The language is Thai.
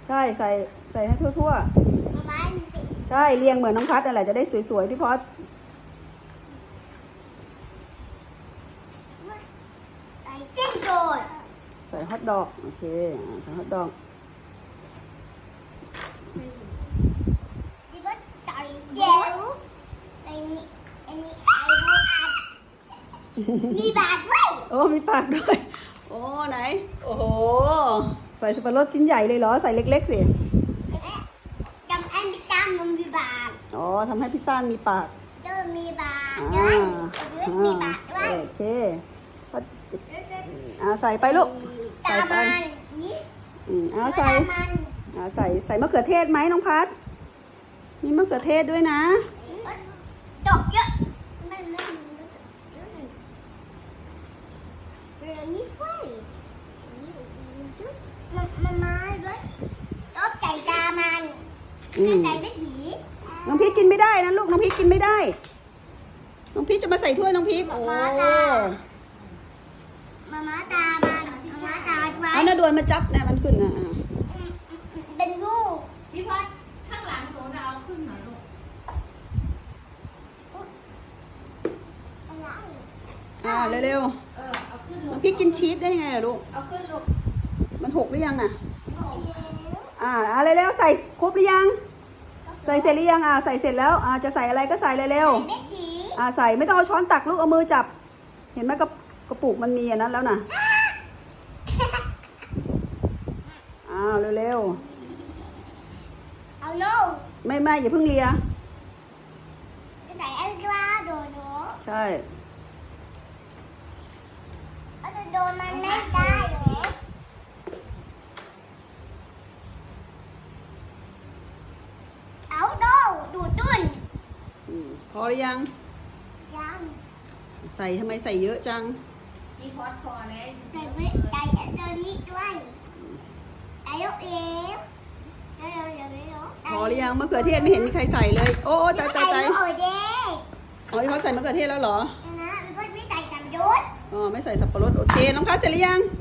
ใช่ใส่ให้ทั่วๆใช่เรียงเหมือนน้องพัดอะไรจะได้สวยๆพี่พอดใส่เส้นโดดใส่ฮอทดอกโอเคใส่ฮอทดอกที่ว่าใส่เจลใส่นี่อันนี้ใส่บูอัดมีบาทด้วยโอ้มีปากด้วยโอ้ไหนโอ้โหใส่สับปะรดชิ้นใหญ่เลยเหรอใส่เล็กๆสิจำอันพิซซ่ามันมีบาทอ๋อทำให้พิซซ่ามีปากจะมีบาทด้วยมีบาทด้วยโอเคใส่ไปลูกใส่ไปใส่มะเขือเทศไหมน้องพัดมีมะเขือเทศด้วยนะดอกเยอะมันเรื่องนี้ไฟมันมาด้วยรอบใจตามันใจไม่ดีน้องพีชกินไม่ได้นะลูกน้องพีชกินไม่ได้น้องพีชจะมาใส่ถ้วยน้องพีชโอ้มาตามันมาตาไว้เอาหน้าดวนมาจับเนี่ยมันขึ้นนะเป็นลูกพี่พัดข้างหลังหนูเอาขึ้นหน่อยลูกเร็วเอาขึ้นๆน้องพีชกินชีสได้ไงล่ะลูกเอาขึ้นลูกมันหกหรือยังน่ะเร็วๆใส่ครบหรือยังใส่เสร็จหรือยังใส่เสร็จแล้วจะใส่อะไรก็ใส่เร็วๆใส่ไม่ต้องเอาช้อนตักลูกเอามือจับเห็นไหมกระปุกมันมีอันนั้นแล้วน่ะเร็วๆเอาลูกไม่อย่าเพิ่งเลียใส่อันกล้าโดนเนาะใช่เอาจะโดนมันไม่ได้เหรอเอาดูตุ้นพอหรือยังยังใส่ทำไมใส่เยอะจังพี่พอดพอแล้วใส่ตัวนี้ด้วยใส่ลูกเอ๋พอหรือยังมะเขือเทศไม่เห็นมีใครใส่เลยโอ้ใจอ๋อที่เขาใส่มะเขือเทศแล้วเหรอนะไม่ใส่จำยศไม่ใส่สับปะรดโอเคน้องพัดเสร็จหรือยัง